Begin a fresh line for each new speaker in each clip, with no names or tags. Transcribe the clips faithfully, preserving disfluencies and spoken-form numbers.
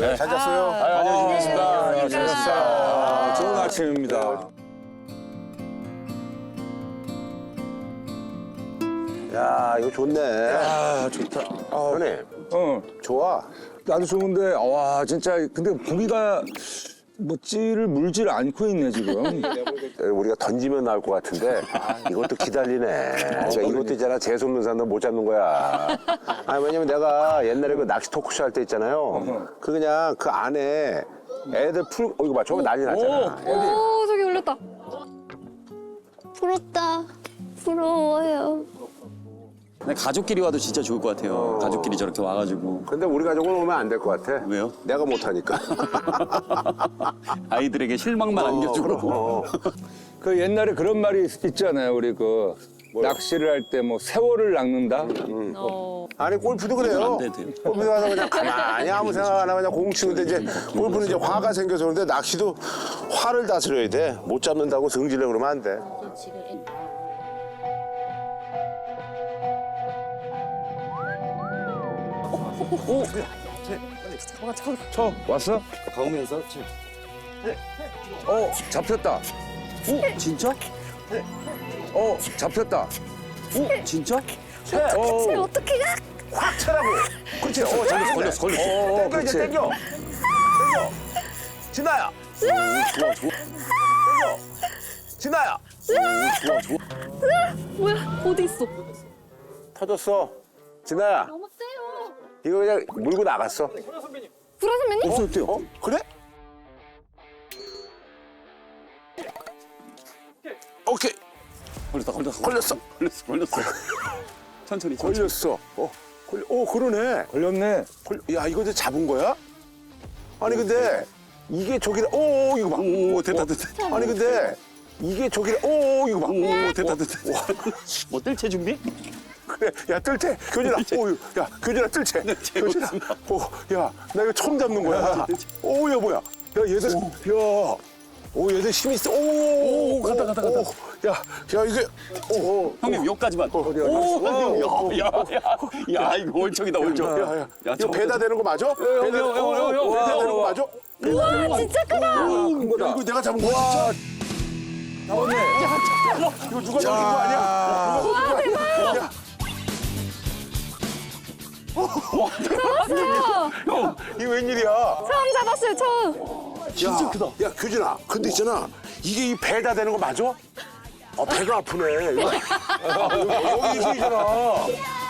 네. 잘 잤어요?
아, 안녕하십니까.
아, 잘 잤어요.
좋은 아침입니다.
야, 이거 좋네.
아, 좋다. 아,
형님,
어,
좋아.
나도 좋은데, 와, 진짜, 근데 고기가 뭐 찌를 물질 않고 있네, 지금.
우리가 던지면 나올 것 같은데 이것도 기다리네. 그러니까 이것도 있잖아. 재수없는 사람들 못 잡는 거야. 아니, 왜냐면 내가 옛날에 그 낚시 토크쇼 할 때 있잖아요. 그 그냥 그 안에 애들 풀, 어, 이거 봐. 저거 난리 났잖아. 애들.
오, 저기 올렸다. 부럽다. 부러워요.
근데 가족끼리 와도 진짜 좋을 것 같아요. 가족끼리 저렇게 와가지고.
근데 우리 가족은 오면 안 될 것 같아.
왜요?
내가 못하니까.
아이들에게 실망만 안겨주고.
어,
그 옛날에 그런 말이 있- 있잖아요. 우리 그 낚시를 할 때 뭐 세월을 낚는다.
어.
아니, 골프도 그래요.
안 돼도 돼요.
골프도 가서 그냥 가만히 아무 생각 안 하고 그냥 공 치는데 이제 골프는 이제 화가 생겨서 그런데 낚시도 화를 다스려야 돼. 못 잡는다고 승질내 그러면 안 돼.
뭐가 저
쳐, 왔어?
가오면서
어, 잡혔다.
오 진짜?
어, 잡혔다.
오 진짜?
쟤
어,
어떻게 가?
확 차라고. 그렇지. 어, 잘했어.
걸렸어 걸렸어.
어,
땡겨 이제
그렇지.
땡겨. 땡겨. 진아야.
좋아 좋아.
땡겨. 진아야.
좋아 좋아.
뭐야? 어디 있어?
터졌어. 진아야.
너무 세요.
이거 그냥 물고 나갔어.
불화 선배님?
없었대요.
어? 그래? 오케이.
걸렸다 걸렸어
걸렸어.
걸렸어 걸렸어. 천천히 천천히.
걸렸어. 어. 걸려. 오, 그러네.
걸렸네.
걸... 야, 이거 이제 잡은 거야? 아니 근데 이게 저기다. 오, 이거 봐.
오 됐다 됐다.
아니 근데 이게 저기다. 오, 이거 봐.
오 됐다 됐다. 뭐 뜰채 준비?
그래, 야 뜰채, 교진아, 오, 야 교진아 뜰채, 교진아, 오, 야, 나 이거 처음 잡는 거야. 오, 야 뭐야, 야 얘들, 야, 오 얘들 힘 있어, 오, 오,
갔다, 갔다, 갔다.
오, 야, 야 이게, 오,
형님 여기까지만.
어디야?
오야야야 이거 월척이다 월척.
야, 야,
야,
이거
저거
배다 되는 거 맞아? 배다,
형, 형, 형, 형, 형.
배다 되는 거
와,
맞아?
우와, 진짜 크다.
큰 거다.
이거 내가 잡은 거야, 진짜.
잡았네.
이거 누가 잡은 거 아니야? 누가 잡은 거 아니야? 야,
잡았어요.
이거 웬일이야?
처음 잡았어요, 처음.
진짜 크다. 야, 규진아, 근데 있잖아. 이게 이 배다 되는 거 맞아? 아, 배가 아프네. 이거. 아, 여기 있잖아.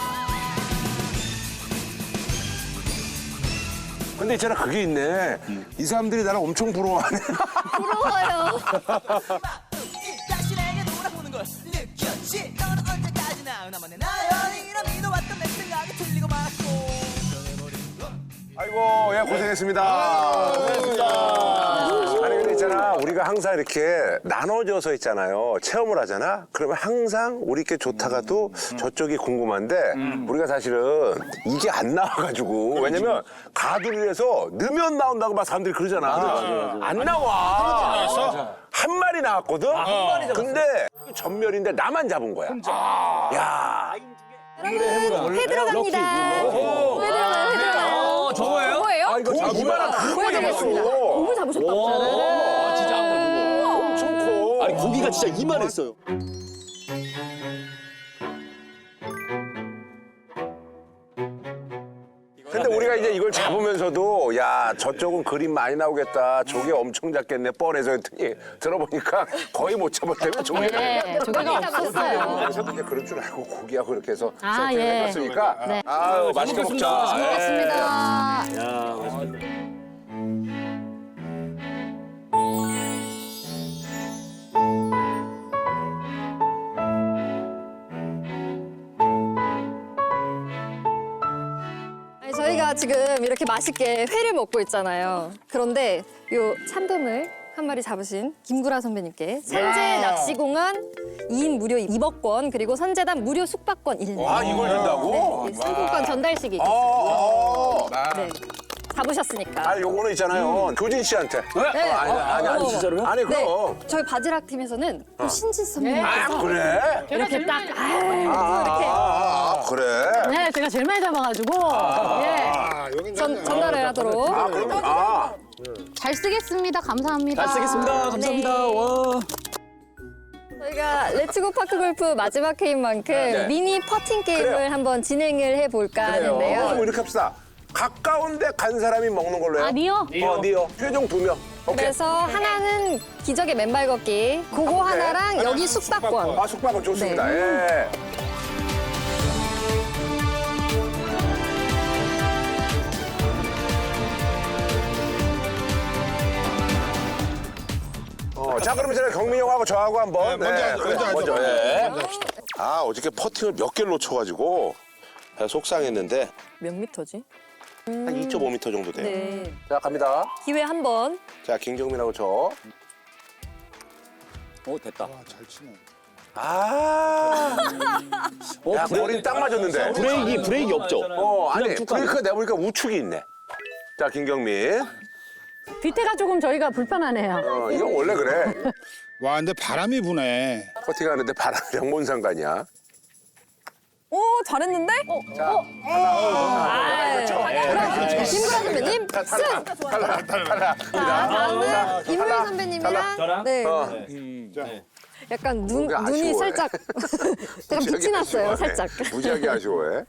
근데 있잖아, 그게 있네. 이 사람들이 나를 엄청 부러워하네.
부러워요.
다시 내게 돌아오는 걸 느꼈지. 너는 언제까지나 나만의 나연이라 믿어왔던 내 생각이 틀리고 말았고.
아이고, 예, 고생했습니다. 고생했습니다. 아니, 근데 있잖아, 우리가 항상 이렇게 나눠져서 있잖아요. 체험을 하잖아? 그러면 항상 우리께 좋다가도 저쪽이 궁금한데, 우리가 사실은 이게 안 나와가지고, 왜냐면 가두리에서 넣으면 나온다고 막 사람들이 그러잖아. 안 나와. 한 마리 나왔거든? 근데 전멸인데 나만 잡은 거야. 야.
여러분, 회 들어갑니다. 회 들어가요, 회 들어가요.
어 저거예요?
저거예요?
아, 이거 잡은
이만한
거야.
그거
보여드리겠습니다.
잡았어.
너무 잡으셨다고.
아 진짜 아까 그거.
엄청 커.
아니 고기가 진짜 이만했어요.
근데 우리가 이제 이걸 잡으면서도 야 저쪽은 그림 많이 나오겠다. 조개 엄청 작겠네. 뻔해서 했더니 들어보니까 거의 못 잡았다며 조개가.
네, 조개가 없었어요.
저도 이제 그럴 줄 알고 고기하고 이렇게 해서
아,
세팅을
예.
해봤으니까
네.
아유 맛있게 먹자.
고맙습니다. 아니, 저희가 지금 이렇게 맛있게 회를 먹고 있잖아요. 그런데 요 참돔을 한 마리 잡으신 김구라 선배님께 선제 낚시공원 이 인 무료 입업권 그리고 선재단 무료 숙박권 일 년.
아 이걸 준다고?
네, 상품권 전달식이
아,
있겠습니다.
아,
네. 잡으셨으니까.
아, 요거는 있잖아요. 교진 씨한테.
네.
어, 아니, 아니, 아니,
진짜로요?
아니,
네.
그럼.
저희 바지락 팀에서는 또 신진 선배님께서
아, 그래?
이렇게 딱 아,
아,
이렇게
아, 그래?
네, 제가 제일 많이 잡아가지고 예,
전, 전달을 하도록.
아, 그럼, 아.
잘 쓰겠습니다. 감사합니다.
잘 쓰겠습니다. 감사합니다.
네.
와.
저희가 레츠고 파크 골프 마지막 회인 만큼 미니 퍼팅 게임을
네. 그래요.
한번 진행을 해볼까
그럼
하는데요.
이렇게 합시다. 가까운데 간 사람이 먹는 걸로 해요.
아, 니요?
어, 니요. 최종 두 명. 오케이.
그래서 하나는 기적의 맨발 걷기, 그거 하나랑 여기 숙박권.
아, 숙박은 좋습니다.
네.
예. 어, 자, 그럼 이제 경민이 형하고 저하고 한번.
네, 먼저 하죠,
그래,
먼저 하죠.
먼저,
네,
예.
먼저 합시다.
아, 어저께 퍼팅을 몇 개를 놓쳐가지고 속상했는데
몇 미터지?
한 이 점 오 미터 정도 돼요.
네.
자, 갑니다.
기회 한 번.
자, 김경민하고 저.
오 됐다.
아, 잘 치네.
아. 야, 머리 딱 맞았는데.
브레이크 브레이크 없죠?
어, 아니,
쭉 가네.
브레이크가 내보니까 우측이 있네. 자, 김경민.
뒤태가 조금 저희가 불편하네요.
어, 이건 원래 그래.
와, 근데 바람이 부네.
퍼팅하는데 바람이랑 뭔 상관이야?
오, 잘했는데? 어, 어. 아, 그럼 김구라 선배님 승!
탈락, 탈락.
자, 다음은 임무일 선배님이랑
저랑?
네.
어.
약간 눈,
뭔가
눈이
아쉬워해.
살짝 약간 빛이 났어요, 살짝.
무지하게 아쉬워해.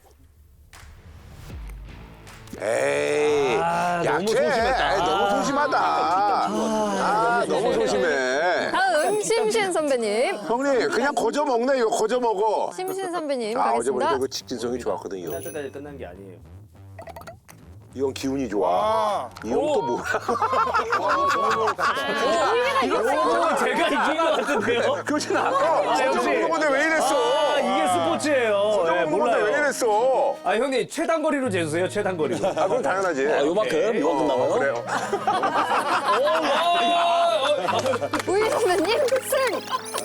에이,
아, 너무
약해.
소심했다.
에이, 너무 소심하다. 아, 너무 소심해.
다음 심신 선배님.
형님, 그냥 거저 먹네, 이거 거저 먹어.
심신 선배님
아, 어제 보니까
가겠습니다.
이거 직진성이 좋았거든요.
끝날때까지 끝난 게 아니에요.
이 형 기운이 좋아.
아,
이 형 또 뭐야?
오, 제가 이긴 것 같은데요?
교진 아까 거저
역시.
먹는 건데 왜 이랬어?
아, 이게 스포츠예요.
거저
네,
먹는 건데 왜
몰라요.
이랬어?
아, 형님, 최단거리로 재주세요, 최단거리로.
아, 그건 당연하지.
아, 요만큼 이만큼 나와요?
그래요.
우일 선배님 승!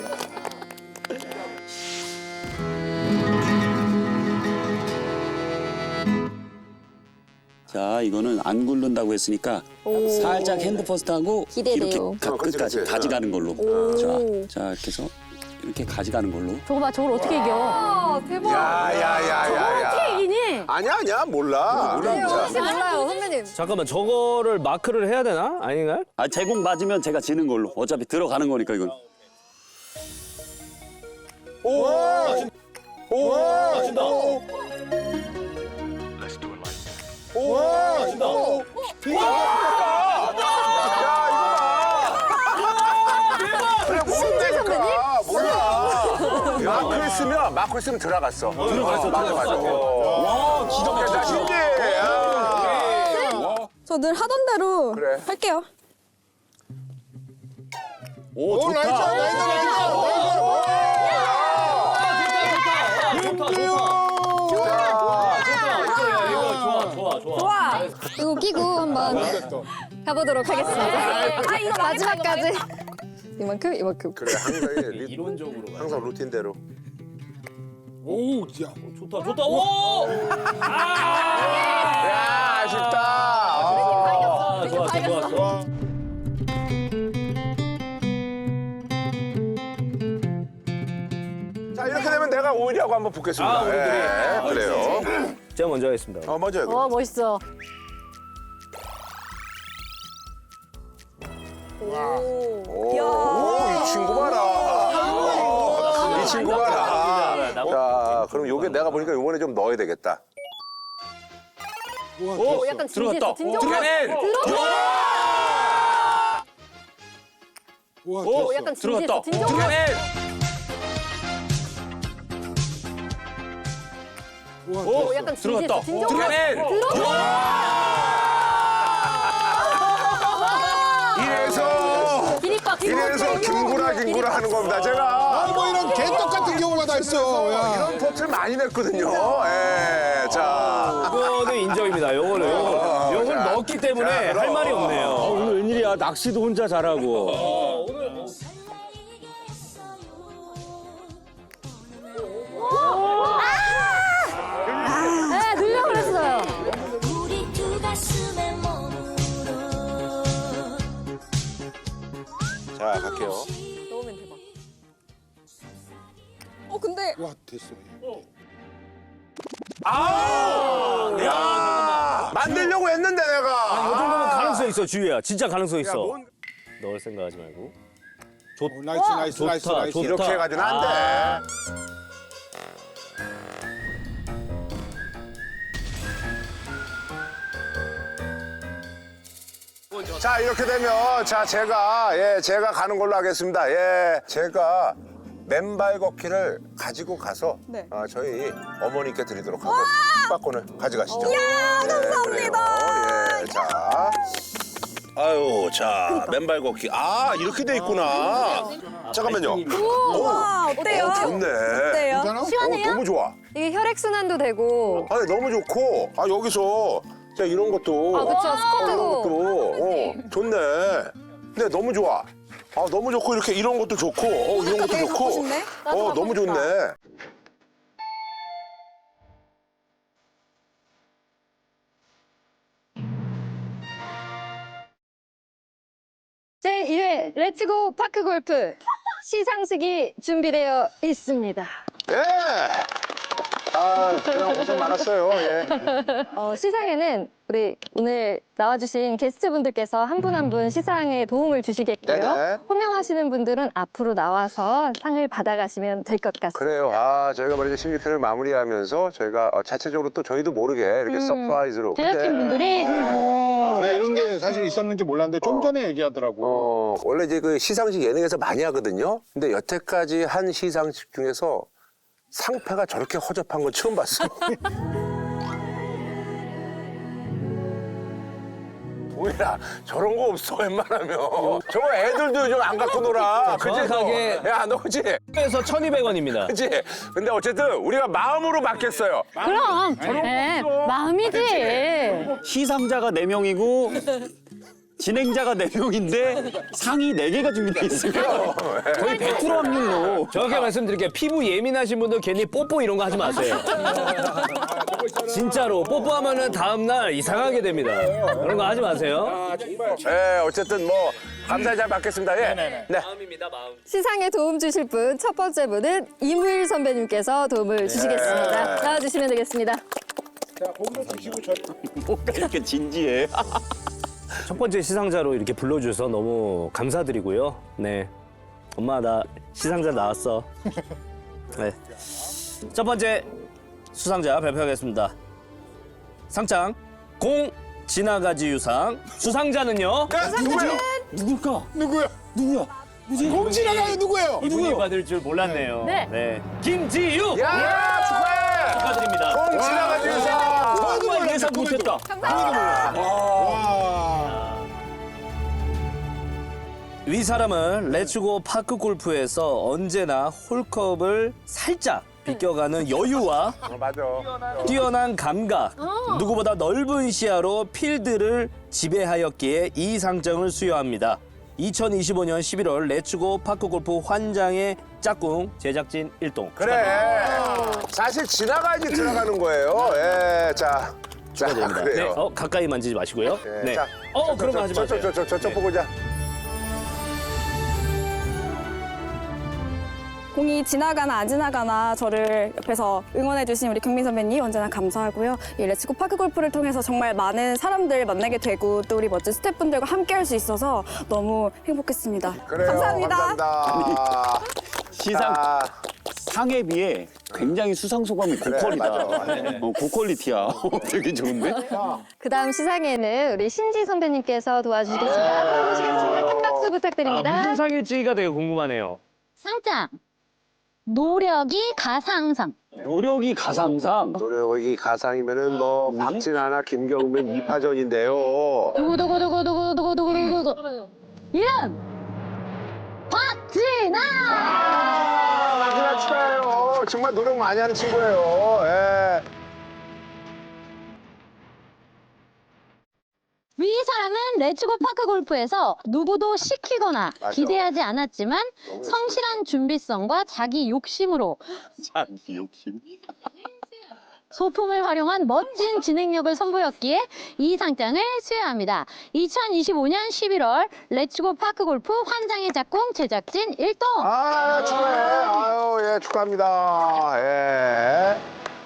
자 이거는 안 굴른다고 했으니까 살짝 핸드 퍼스트하고
기대돼요.
이렇게 가,
어, 그치,
끝까지
그치.
가져가는 걸로. 자, 자 이렇게 해서 이렇게 가져가는 걸로.
저거 봐, 저걸 어떻게 이겨?
아, 대박.
야야야야야.
어떻게 이기니?
아니야 아니야 몰라. 우리
혹시
진짜.
몰라요, 선배님.
잠깐만, 저거를 마크를 해야 되나? 아닌가요?
아 제공 맞으면 제가 지는 걸로. 어차피 들어가는 거니까 이건.
오. 오.
맞춘다.
오.
맞춘다.
그래 모른다니까 몰라. 마크 했으면 마크 했으면 들어갔어. 들어갔어. 맞아 맞아. 와 기적이야. 나 신기해. 야.
저 늘 하던 대로
그래.
할게요.
오
오,
좋다.
나이스, 나이스, 나이스.
좋다, 좋다. 좋다, 이거 좋아, 좋아, 좋아.
와, 이거 끼고 한번 가보도록 하겠습니다. 아, 이거 마지막까지. 이만큼, 이만큼.
그래 항상 리,
이론적으로 가.
항상 루틴대로.
오, 야.
좋다, 좋다. 오!
야 아쉽다.
아, 좋았어, 좋았어.
자 이렇게 되면 내가 오일이하고 한번 붙겠습니다.
아, 우리 둘이.
예, 그래요.
제가 먼저 하겠습니다.
어 먼저 해.
어, 멋있어.
오이 친구 봐라. 이 친구 봐라. 자 그럼 요게 내가 보니까 요번에 좀 넣어야 되겠다.
오, 약간 진지했어. 진정.
들어가네.
우와,
오,
됐어.
약간 진지했어. 진정.
들어가네.
우와,
오,
됐어.
약간 진지했어. 진정.
들어가네.
이래서
기립박.
이래서 김구라 김구라 하는 겁니다. 제가
아, 뭐 이런 개떡 같은 경우가 다 있어. 야.
이런 포트를 많이 냈거든요. 예, 자.
이거는 인정입니다. 요거는 요거는 요걸
자,
넣었기 때문에
자, 그럼.
할 말이 없네요.
오늘 웬일이야? 낚시도 혼자 잘하고.
네, 늘려 그랬어요.
우리 두 가슴에 모
갈게요.
넣으면 대박. 어 근데
와 됐어.
아, 야, 만들려고 했는데
이
내가.
정도면 가능성 있어, 주희야. 진짜 가능성
야,
있어.
뭔-
넣을 생각하지 말고.
오, 나이스 나이스
좋다,
나이스 나이스.
좋다.
이렇게 해가지고는 안 돼. 자 이렇게 되면 자 제가 예 제가 가는 걸로 하겠습니다. 예 제가 맨발 걷기를 가지고 가서
네.
아, 저희 어머니께 드리도록 하고 숙박권을 가져가시죠.
이야, 감사합니다.
예, 자. 아유, 자, 맨발 걷기. 아, 이렇게 돼 있구나. 잠깐만요.
와 어때요?
어, 좋네.
어때요?
괜찮아?
어, 너무 좋아.
이게 혈액 순환도 되고.
아니, 너무 좋고. 아, 여기서 자, 이런 것도.
아 그쵸
이런
스쿼트도.
것도. 어, 좋네. 근데 너무 좋아. 아, 너무 좋고, 이렇게 이런 것도 좋고, 어, 이런 것도
되게
좋고.
갖고 싶네? 나도
어, 너무
갖고 싶다.
좋네.
제일 회 렛츠고 파크 골프 시상식이 준비되어 있습니다.
예! 아, 그냥 고생 많았어요. 예.
어, 시상에는 우리 오늘 나와주신 게스트분들께서 한 분 한 분 시상에 도움을 주시겠고요.
네네.
호명하시는 분들은 앞으로 나와서 상을 받아가시면 될 것 같습니다.
그래요. 아, 저희가 말이죠. 신기편을 마무리하면서 저희가 어, 자체적으로 또 저희도 모르게 이렇게 서프라이즈로. 근데,
제작진분들이
네, 이런 게 사실 있었는지 몰랐는데 좀 전에 얘기하더라고.
어, 원래 이제 그 시상식 예능에서 많이 하거든요. 근데 여태까지 한 시상식 중에서 상패가 저렇게 허접한 건 처음 봤어. 동일아, 저런 거 없어, 웬만하면. 저거 애들도 요즘 안 갖고 놀아. 그치?
정확하게.
너? 야, 너 그치?
그래서 천이백 원입니다.
그치? 근데 어쨌든 우리가 마음으로 받겠어요.
그럼 네, 마음이지.
시상자가 네 명이고 진행자가 네 명인데 상이 네 개가 준비돼 있어요. 거의 백 퍼센트 확률로.
정확하게 말씀드릴게요. 피부 예민하신 분들 괜히 뽀뽀 이런 거 하지 마세요. 진짜로 뽀뽀하면은 다음날 이상하게 됩니다. 그런 거 하지 마세요.
예, 어쨌든 뭐 감사히 잘 받겠습니다. 예. 네.
마음입니다, 마음.
시상에 도움 주실 분 첫 번째 분은 이무일 선배님께서 도움을 주시겠습니다. 나와주시면 되겠습니다.
자, 거기서 드시고 저.
뭔가 이렇게 진지해.
첫 번째 시상자로 이렇게 불러주셔서 너무 감사드리고요. 네. 엄마, 나 시상자 나왔어. 네. 첫 번째 수상자 발표하겠습니다. 상장 공 지나가지 유상. 수상자는요.
누구야?
누굴까?
누구야?
누구야?
공지나가요 누구예요?
이분이 받을 줄 몰랐네요.
네.
김지유.
야, 축하해!
축하드립니다.
공 지나가지 유상!
정말 예상 못했다. 위 사람은 렛츠고 파크 골프에서 언제나 홀컵을 살짝 비껴가는 여유와
어, 맞아.
뛰어난 감각, 누구보다 넓은 시야로 필드를 지배하였기에 이 상장을 수여합니다. 이천이십오 년 십일월 렛츠고 파크 골프 환장의 짝꿍 제작진 일동.
그래. 사실 지나가야지 들어가는 거예요. 예, 자. 자,
네,
그래요.
어, 가까이 만지지 마시고요.
예,
네.
자,
어,
저,
그런 거
저,
하지
저,
마세요.
저, 저, 저, 저,
네.
보고 자.
공이 지나가나 안 지나가나 저를 옆에서 응원해주신 우리 경민 선배님 언제나 감사하고요. 이 렛츠고 파크 골프를 통해서 정말 많은 사람들 만나게 되고 또 우리 멋진 스태프분들과 함께할 수 있어서 너무 행복했습니다.
그래요.
감사합니다.
감사합니다.
시상
자,
상에 비해 굉장히 수상 소감이 고퀄이다. 어, 고퀄리티야. 되게 좋은데?
그 다음 시상에는 우리 신지 선배님께서 도와주시겠습니다. 앞으로 모시겠습니다. 큰 박수 부탁드립니다.
무슨 상일지가 되게 궁금하네요.
상장 노력이 가상상.
노력이 가상상.
노력이 가상이면은 뭐 박진아나 김경민 이파전인데요.
두구두구두구두구두구두구두구. 이름 박진아.
박진아 축하해요. 정말 노력 많이 하는 친구예요. 예.
위 사람은 렛츠고 파크 골프에서 누구도 시키거나
맞아.
기대하지 않았지만 성실한 준비성과 자기 욕심으로
자기 욕심.
소품을 활용한 멋진 진행력을 선보였기에 이 상장을 수여합니다. 이천이십오 년 십일월 렛츠고 파크골프 환장의 작공 제작진 일동.
아, 축하해. 아유, 예, 축하합니다. 예.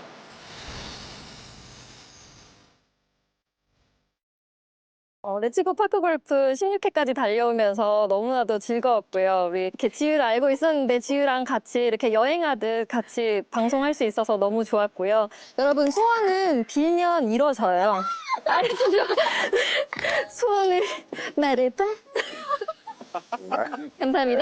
어, 렛츠고 파크골프 십육 회까지 달려오면서 너무나도 즐거웠고요. 우리 이렇게 지유를 알고 있었는데 지유랑 같이 이렇게 여행하듯 같이 방송할 수 있어서 너무 좋았고요. 여러분 소원은 빌면 이뤄져요. 알겠죠? 소원을 말해봐. 감사합니다.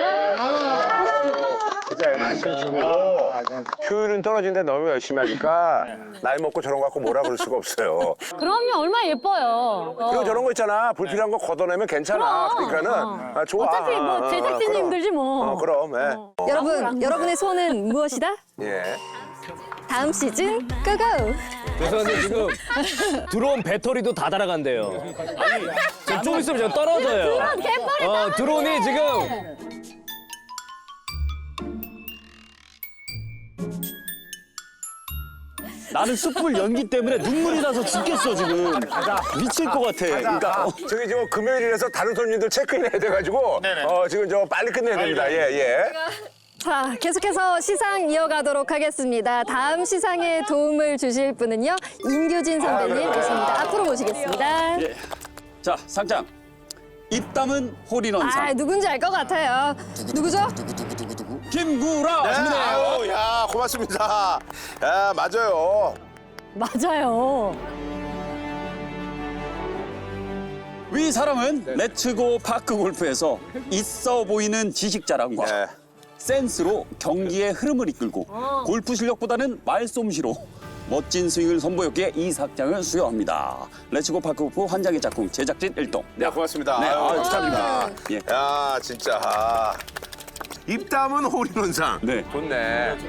진짜 열심히 주고 효율은 떨어지는데 너무 열심히 하니까 나이 먹고 저런 거 갖고 뭐라 그럴 수가 없어요.
그럼요, 얼마나 예뻐요.
그리고 저런 거 있잖아. 불필요한 거 걷어내면 괜찮아. 그러니까는 아, 좋아.
어차피 뭐 제작진이
그럼.
힘들지 뭐.
어, 그럼. 예.
여러분, 여러분의 소원은 무엇이다?
예.
다음 시즌 고고!
죄송한데 지금 드론 배터리도 다 달아간대요. 아니, 지금 좀 있으면 저 떨어져요. 어, 드론이 지금 나는 숯불 연기 때문에 눈물이 나서 죽겠어 지금. 미칠 것 같아. 그러니까
아, 저기 저 금요일이라서 다른 손님들 체크인 해야 돼가지고 어, 지금 저 빨리 끝내야 됩니다. 예, 예.
자, 계속해서 시상 이어가도록 하겠습니다. 다음 시상에 도움을 주실 분은요, 임규진 선배님 모십니다. 앞으로 모시겠습니다.
예. 자, 상장. 입담은 홀인원상.
아, 누군지 알 것 같아요. 누구죠?
김구라.
네, 아유, 야, 고맙습니다. 야, 맞아요.
맞아요.
위 사람은 렛츠고 파크 골프에서 있어 보이는 지식 자랑과
예.
센스로 경기의 흐름을 이끌고 골프 실력보다는 말솜씨로 멋진 스윙을 선보였기에 이 상장을 수여합니다. 렛츠고 파크 골프 환장의 작품 제작진 일동.
네, 고맙습니다.
네,
아유,
아유,
축하드립니다.
예.
야, 진짜. 아, 입담은 홀인원상.
네.
좋네.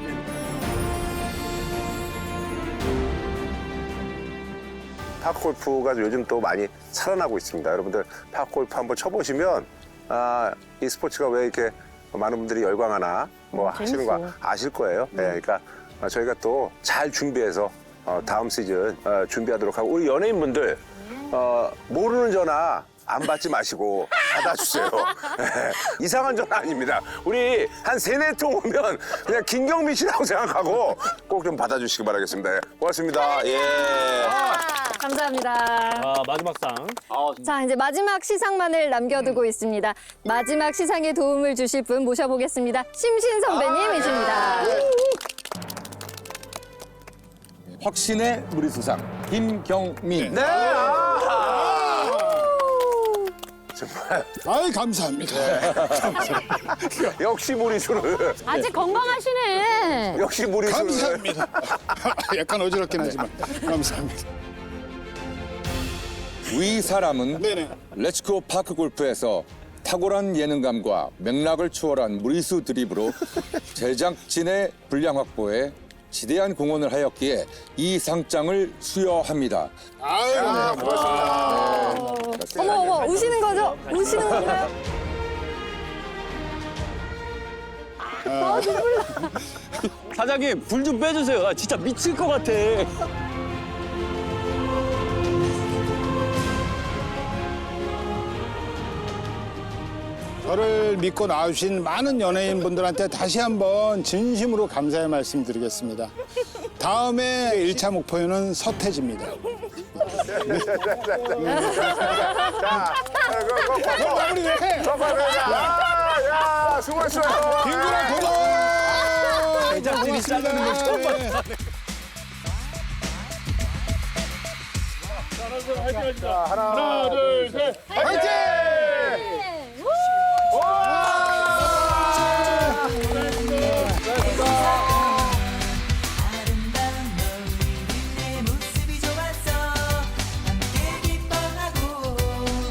파크골프가 요즘 또 많이 살아나고 있습니다. 여러분들 파크골프 한번 쳐보시면 아, 이 스포츠가 왜 이렇게 많은 분들이 열광하나 뭐 하시는 거 아실 거예요. 네, 그러니까 저희가 또 잘 준비해서 어, 다음 시즌 어, 준비하도록 하고 우리 연예인분들 어, 모르는 전화 안 받지 마시고 받아주세요. 네, 이상한 전화 아닙니다. 우리 한 세네 통 오면 그냥 김경민 씨라고 생각하고 꼭 좀 받아주시기 바라겠습니다. 예, 고맙습니다. 예.
감사합니다.
아, 마지막 상.
자, 이제 마지막 시상만을 남겨두고 있습니다. 마지막 시상에 도움을 주실 분 모셔보겠습니다. 심신 선배님이십니다.
확신의 무리수상 김경민.
네. 아, 정말
아이, 감사합니다.
역시 무리수를
아직 건강하시네.
역시 무리수를
감사합니다. 약간 어지럽긴 하지만 감사합니다.
위 사람은
네네.
렛츠고 파크 골프에서 탁월한 예능감과 맥락을 초월한 무리수 드립으로 제작진의 분량 확보에 지대한 공헌을 하였기에 이 상장을 수여합니다.
아유, 네, 고맙습니다.
어머, 어머, 우시는 거죠? 우시는 건가요?
사장님 불 좀 빼주세요. 나 진짜 미칠 것 같아.
저를 믿고 나오신 많은 연예인분들한테 다시 한번 진심으로 감사의 말씀 드리겠습니다. 다음에 일 차 목표는 서태지입니다.
자,
마무리 왜 해?
야, 야, 수고했어요.
김구라 고마워.
제작진이 잘라는 걸 처음 봤어.
하나, 둘, 셋.
화이팅!